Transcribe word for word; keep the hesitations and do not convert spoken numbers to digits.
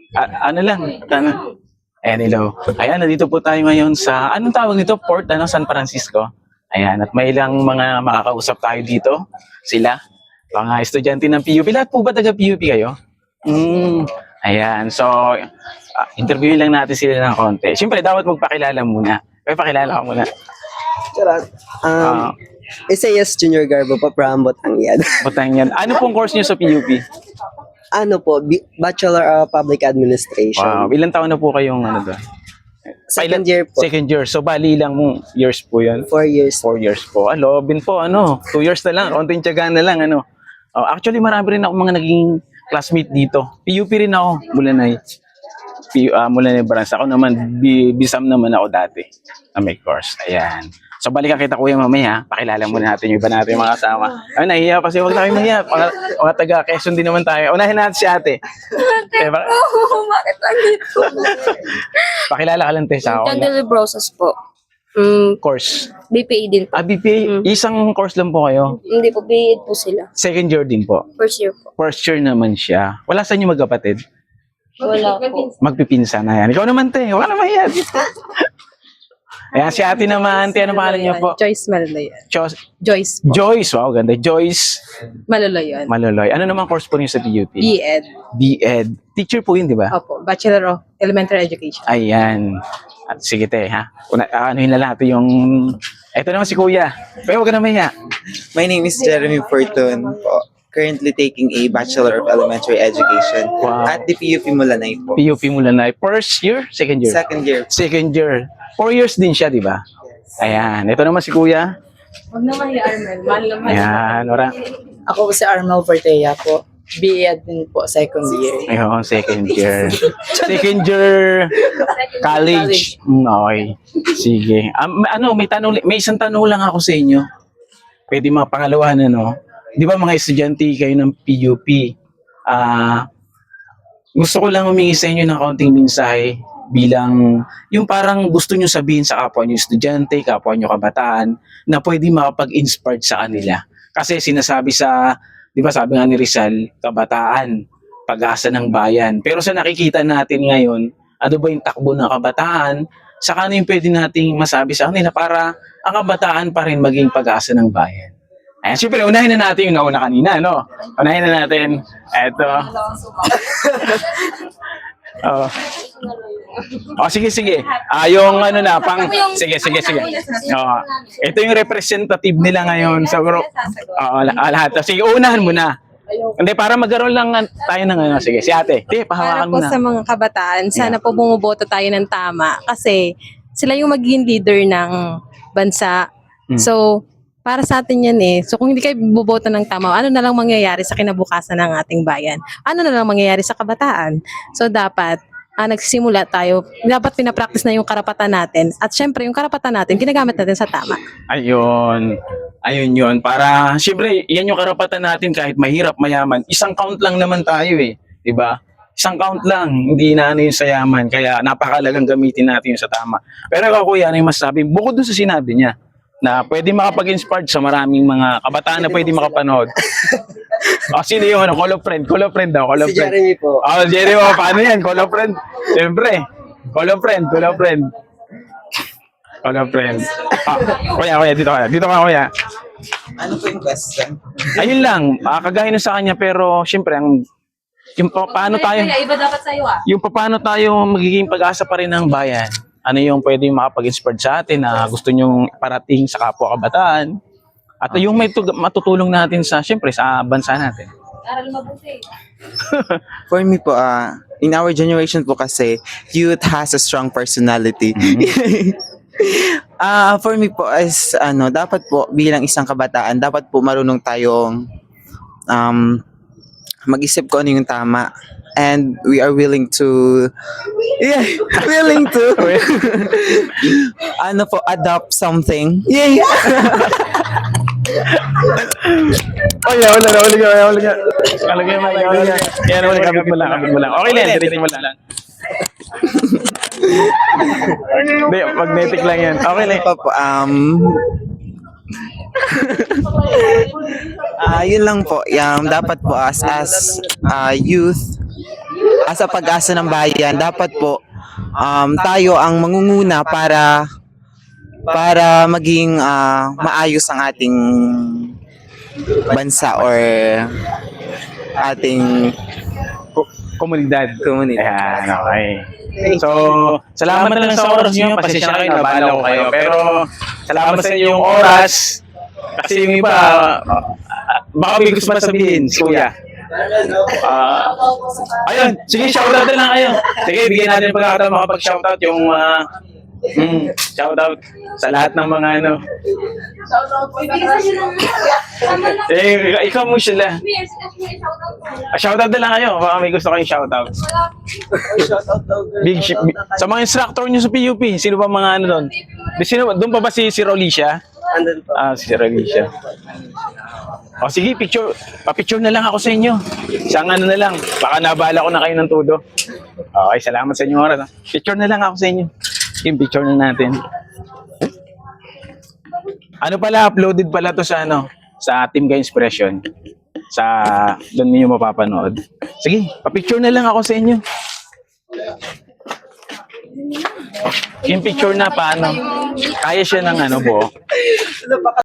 A- ano lang, ano? Ayan, hello. Ayan, nandito po tayo ngayon sa, anong tawag nito? Port, ano, San Francisco. Ayan, at may ilang mga makakausap tayo dito. Sila, mga estudyante ng P U P. Lahat po ba taga P U P kayo? Mm, ayan, so, ah, interviewin lang natin sila ng konti. Siyempre, dapat magpakilala muna. May pakilala ka muna. Charot. Um, Ah, Isaias Junior Garbo pa from Batangian. Butang yan. Ano pong course niyo sa P U P? Ano po, B- Bachelor of Public Administration. Wow, ilang taon na po kayong ano doon? Second year po. Second year. So, bali lang mo years po yan. Four years. Four years po. Alo, bin po, ano, two years na lang, konting tiyagaan na lang, ano. Oh, actually, marami rin ako mga naging classmate dito. P U P rin ako, Mulanay. P, uh, Mulanay branch. Ako naman, B, Bisam naman ako dati na may course. Ayan. So, balikan kita kuya mamaya. Pakilala muna natin yung iba natin mga kasama. Ay, nahihiya pa siya. Huwag tayo mahiya. Mga, mga taga Quezon din naman tayo. Unahin natin si ate. Eh, ba- Oh, bakit nandito? pakilala ka lang, te, sa ako. Candle Brosas po. Mm, Course. B P A din po. Ah, B P A, isang course lang po kayo. Hindi po, B E D po sila. Second year din po. First year po. First year naman siya. Wala sa inyo magkapatid? Wala po. Magpipinsan na yan. Ikaw naman, te. Wala naman yan. Ayan, si ate naman. Te, ano pangalan niyo po? Joyce Maloloyan. Chos- Joyce po. Joyce. Wow, ganda. Joyce Maloloyan. Maloloy. Ano naman course po niyo sa P U P? B-Ed. B-Ed. Teacher po yun, di ba? Opo. Bachelor of Elementary Education. Ayan. At sige, te, ha? Una, ano yun na natin yung... Ito naman si kuya. Pero huwag ka na maya. My name is Jeremy Fortun po. Currently taking a Bachelor of Elementary Education Wow. at the P U P Mulanay po. P U P Mulanay. First year? Second year? Second year. Second year. Four years din siya, di ba? Ayan. Ito naman si kuya. Huwag naman yung Armel. Mahal naman. Ayan, ora. Ako po si Armel Fortea po. B-Ed din po, second year. Ayun, second year. Second year college. Mm, okay. Sige. Um, ano, may tanong, may isang tanong lang ako sa inyo. Pwede mga pangalawa na, no? Di ba mga estudyante kayo ng P U P? Ah, gusto ko lang humingi sa inyo ng kaunting mensahe bilang yung parang gusto nyo sabihin sa kapwa nyo estudyante, kapwa nyo kabataan, na pwede makapag-inspire sa kanila. Kasi sinasabi sa, di ba sabi nga ni Rizal, kabataan, pag-asa ng bayan. Pero sa nakikita natin ngayon, ano ba yung takbo ng kabataan, saka ano yung pwede nating masabi sa kanila para ang kabataan pa rin maging pag-asa ng bayan. Ayan, siyempre, unahin na natin yung nauna kanina, no? Unahin na natin, eto. Oh. Oh, sige, sige. Ah, yung ano na, pang... Sige, sige, sige. Oh, ito yung representative nila ngayon sa group. Oo, oh, lahat. Sige, unahan mo na. Hindi, para magkaroon lang tayo ng ano. Sige, si ate. Te, Para pahawakan mo po na. sa mga kabataan, sana po bumuboto tayo ng tama kasi sila yung magiging leader ng bansa. Hmm. So, para sa atin yan eh. So, kung hindi kayo buboto ng tama, ano na lang mangyayari sa kinabukasan ng ating bayan? Ano na lang mangyayari sa kabataan? So, dapat ah, nagsisimula tayo, dapat pinapractice na yung karapatan natin. At syempre, yung karapatan natin, ginagamit natin sa tama. Ayun. Ayun yun. Para, siyempre, yan yung karapatan natin kahit mahirap, mayaman. Isang count lang naman tayo eh. Diba? Isang count lang. Hindi na ano yung sa yaman. Kaya napakalagang gamitin natin yung sa tama. Pero ako kuya, ano yung masasabi? Bukod dun sa sinabi niya, na pwede makapag-inspired sa maraming mga kabataan na pwede makapanood. O, sino yung ano? Call of friend. Call of friend daw. Call of Si friend. Jeremy po. Oh, Jeremy, oh, paano yan? Call of friend. Siyempre. Call of friend. Call of friend. Call of friend. Ah, kuya, kuya, dito ka. Dito ka, kuya. Ano po yung question? Ayun lang, ah, kagaya nun sa kanya, pero siyempre, ang, yung pa, paano tayo, Iba dapat sa'yo ah. yung pa, paano tayo magiging pag-asa pa rin ng bayan. Ano yung pwede makapag-inspire sa atin na gusto nyong parating sa kapwa kabataan. At yung may tug- matutulong natin sa, siyempre, sa bansa natin. Aral mabuti. For me po, ah, in our generation po kasi, youth has a strong personality. Ah, for me po as ano, dapat po bilang isang kabataan, dapat po marunong tayong um mag-isip kung ano yung tama. And we are willing to yeah, willing to ano po, adopt something. Yeah. Oh, yeah, wala na, wala na, wala na. Kalagay mo lang, wala na. Yan, wala, kapit mo lang, kapit mo lang. Okay lang, diretso mo lang. Hindi, magnetic lang yan. Okay lang. Pa po, um Ah, yun lang po. Yung dapat po as as ah, youth, asa pag-asa ng bayan, dapat po um, tayo ang mangunguna para para maging ah, maayos ang ating bansa or ating Komunidad. komunidad. Ayan, okay. So, salamat na lang sa oras niyo. Pasensya na kayo, nabala ko kayo. Pero, salamat sa inyong oras. Kasi yung iba, uh, baka may gusto masabihin, si Kuya. Ah, ayun, sige, shoutout na lang kayo. Sige, bigyan natin ng pagkakataon makapag-shoutout yung uh, mm, shoutout sa lahat ng mga ano. Eh, ikaw mo sila. Ah, shoutout na lang kayo. Baka may gusto kayong shoutout. Big ship. Sa mga instructor nyo sa P U P, sino ba mga ano doon? Sino, doon pa ba si, si Rolicia? Andun po. Ah, si Rolicia. O sige, picture. Pa-picture na lang ako sa inyo. Isang ano na lang. Baka nabala ko na kayo ng todo. Okay, salamat sa inyong oras. ah. Picture na lang ako sa inyo. Yung picture na natin. Ano pala, uploaded pala to sa ano, sa Team Ka Inspiration. Sa, doon niyo mapapanood. Sige, pa-picture na lang ako sa inyo. Yung picture na paano? Kaya siya ng ano po.